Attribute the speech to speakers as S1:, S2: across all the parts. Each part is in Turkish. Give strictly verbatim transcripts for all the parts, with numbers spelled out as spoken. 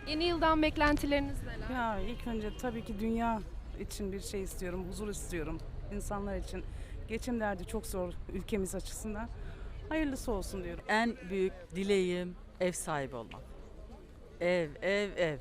S1: Yeni yıldan beklentileriniz neler?
S2: Ya ilk önce tabii ki dünya için bir şey istiyorum, huzur istiyorum. İnsanlar için. Geçim derdi çok zor ülkemiz açısından. Hayırlısı olsun diyorum.
S3: En büyük dileğim ev sahibi olmak. Ev, ev, ev.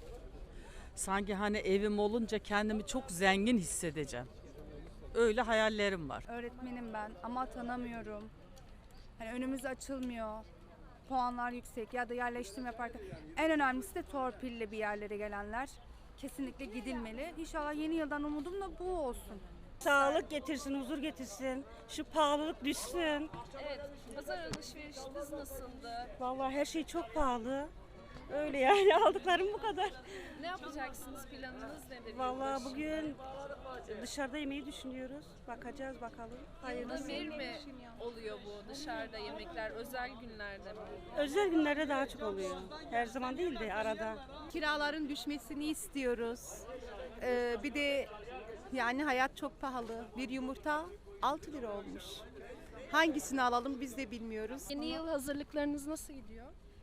S3: Sanki hani evim olunca kendimi çok zengin hissedeceğim. Öyle hayallerim var.
S4: Öğretmenim ben ama atanamıyorum. Hani önümüz açılmıyor. Puanlar yüksek ya da yerleştirme yaparken. En önemlisi de torpille bir yerlere gelenler. Kesinlikle gidilmeli. İnşallah yeni yıldan umudum da bu olsun.
S5: Sağlık getirsin, huzur getirsin. Şu pahalılık düşsün.
S1: Evet, pazar alışverişiniz nasıldı?
S5: Vallahi her şey çok pahalı. Öyle yani aldıklarım bu kadar.
S1: Ne yapacaksınız? Planınız nedir?
S5: Vallahi bugün dışarıda yemeği düşünüyoruz. Bakacağız bakalım.
S1: Yılda
S5: Hayırlısı.
S1: bir mi oluyor bu dışarıda yemekler? Özel günlerde mi?
S5: Özel günlerde daha çok oluyor. Her zaman değil de arada.
S6: Kiraların düşmesini istiyoruz. Ee, bir de yani hayat çok pahalı. Bir yumurta altı lira olmuş. Hangisini alalım biz de bilmiyoruz.
S1: Yeni yıl hazırlıklarınız nasıl gidiyor?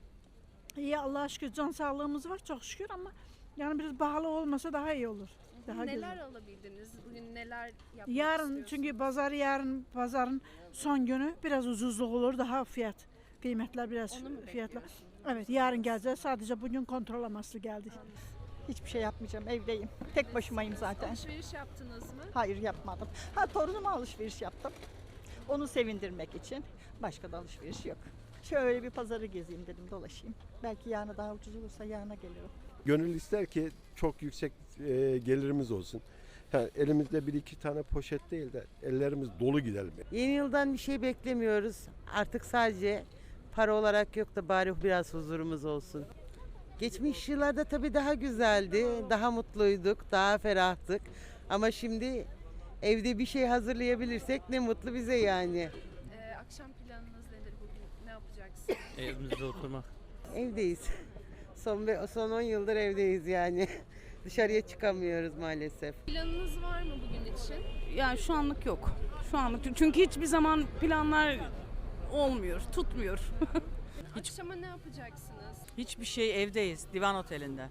S7: İyi Allah'a şükür can sağlığımız var çok şükür ama yani biraz pahalı olmasa daha iyi olur. Daha
S1: Neler
S7: güzel.
S1: alabildiniz? Bugün neler yapmak
S7: Yarın
S1: istiyorsunuz?
S7: çünkü pazar yarın pazarın son günü biraz ucuzluk olur daha fiyat kıymetler biraz
S1: Onu mu
S7: fiyatlar.
S1: bekliyorsun?
S7: Evet yarın geleceğiz sadece bugün kontrol amaçlı geldik.
S8: Hiçbir şey yapmayacağım, evdeyim. Tek başımayım zaten.
S1: Alışveriş yaptınız mı?
S8: Hayır yapmadım. Ha torunuma alışveriş yaptım. Onu sevindirmek için. Başka da alışveriş yok. Şöyle bir pazarı gezeyim dedim, dolaşayım. Belki yarına daha ucuz olursa yarına gelirim.
S9: Gönül ister ki çok yüksek e, gelirimiz olsun. Ha, elimizde bir iki tane poşet değil de ellerimiz dolu gidelim.
S10: Yeni yıldan bir şey beklemiyoruz. Artık sadece para olarak yok da bari biraz huzurumuz olsun. Geçmiş yıllarda tabii daha güzeldi, daha mutluyduk, daha ferahtık. Ama şimdi evde bir şey hazırlayabilirsek ne mutlu bize yani.
S1: Ee, akşam planınız nedir bugün? Ne yapacaksınız?
S11: Evimizde oturmak.
S10: Evdeyiz. Son be- son on yıldır evdeyiz yani. Dışarıya çıkamıyoruz maalesef.
S1: Planınız var mı bugün için?
S2: Yani şu anlık yok. Şu anlık çünkü hiçbir zaman planlar olmuyor, tutmuyor.
S1: Akşama ne yapacaksınız?
S3: Hiçbir şey evdeyiz, divan otelinde.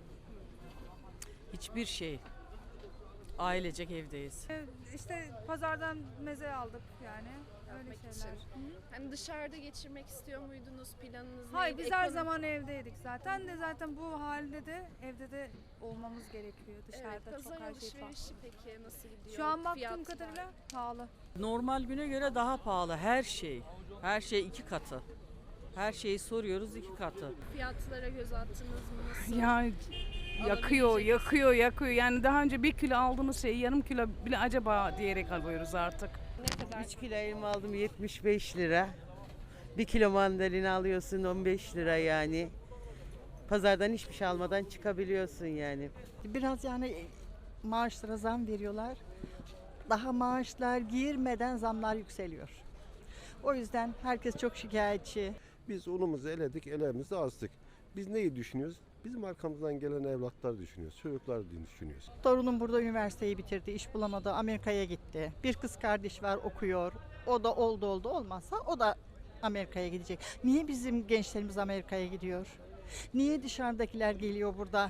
S3: Hiçbir şey. Ailecek evdeyiz.
S4: İşte pazardan meze aldık yani. Öyle
S1: Yapmak
S4: şeyler.
S1: için.
S4: Hı.
S1: Hani dışarıda geçirmek istiyor muydunuz? Planınız
S4: Hayır
S1: neydi?
S4: biz her
S1: Ekonomi-
S4: zaman evdeydik zaten de zaten bu halde de evde de olmamız gerekiyor. Dışarıda
S1: Evet,
S4: çok
S1: pazar
S4: her şey pahalı.
S1: alışverişi peki nasıl gidiyor?
S4: Şu an baktığım
S1: Fiyatlar?
S4: kadarıyla pahalı.
S3: Normal güne göre daha pahalı her şey. Her şey iki katı. Her şeyi soruyoruz iki katı.
S1: Fiyatlara göz attınız mı? Nasıl?
S2: Ya yakıyor,
S1: Alabilecek
S2: yakıyor, yakıyor. Yani daha önce bir kilo aldığımız şeyi yarım kilo bile acaba diyerek alıyoruz artık.
S1: Ne kadar?
S10: üç kilo elma aldım yetmiş beş lira. bir kilo mandalina alıyorsun on beş lira yani. Pazardan hiçbir şey almadan çıkabiliyorsun yani.
S8: Biraz yani maaşlara zam veriyorlar. Daha maaşlar girmeden zamlar yükseliyor. O yüzden herkes çok şikayetçi.
S9: Biz unumuzu eledik, elimizi astık. Biz neyi düşünüyoruz? Bizim arkamızdan gelen evlatlar düşünüyoruz, çocuklar düşünüyoruz.
S8: Torunum burada üniversiteyi bitirdi, iş bulamadı, Amerika'ya gitti. Bir kız kardeş var okuyor. O da oldu oldu olmazsa o da Amerika'ya gidecek. Niye bizim gençlerimiz Amerika'ya gidiyor? Niye dışarıdakiler geliyor burada?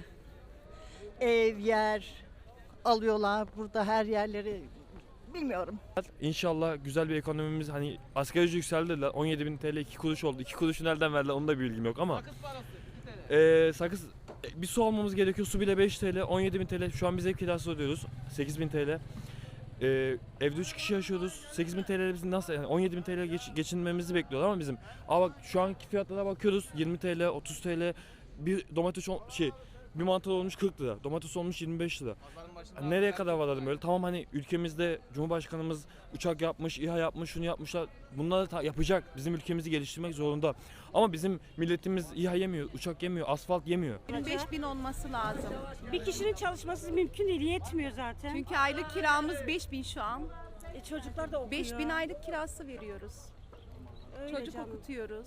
S8: Ev, yer alıyorlar burada her yerleri bilmiyorum.
S11: İnşallah güzel bir ekonomimiz, hani asgari ücret yükseldi dediler. on yedi bin T L iki kuruş oldu. iki kuruşu nereden verdiler onu da bir bilgim yok ama. Ee, sakız bir su almamız gerekiyor. Su bile beş T L, on yedi bin T L. Şu an biz ev kirası ödüyoruz. sekiz bin T L. Ee, evde üç kişi yaşıyoruz. sekiz bin T L bizim nasıl yani on yedi bin T L geç, geçinmemizi bekliyorlar ama bizim. Aa bak şu anki fiyatlara bakıyoruz. yirmi T L, otuz T L. Bir domates ol- şey bir mantar olmuş kırk lira. Domates olmuş yirmi beş lira. Yani nereye kadar varalım öyle? Tamam hani ülkemizde Cumhurbaşkanımız uçak yapmış, İHA yapmış, şunu yapmışlar. Bunları ta- yapacak. Bizim ülkemizi geliştirmek zorunda. Ama bizim milletimiz İHA yemiyor, uçak yemiyor, asfalt yemiyor.
S6: yirmi beş bin olması lazım.
S5: Bir kişinin çalışması mümkün değil, yetmiyor zaten.
S6: Çünkü aylık kiramız beş bin şu an.
S5: E, çocuklar da okuyor.
S6: beş bin aylık kirası veriyoruz.
S5: Öyle
S6: Çocuk
S5: canım.
S6: okutuyoruz.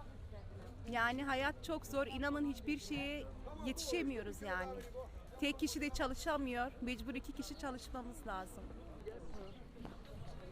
S6: Yani hayat çok zor. İnanın hiçbir şeye yetişemiyoruz yani. Tek kişi de çalışamıyor. Mecbur iki kişi çalışmamız lazım.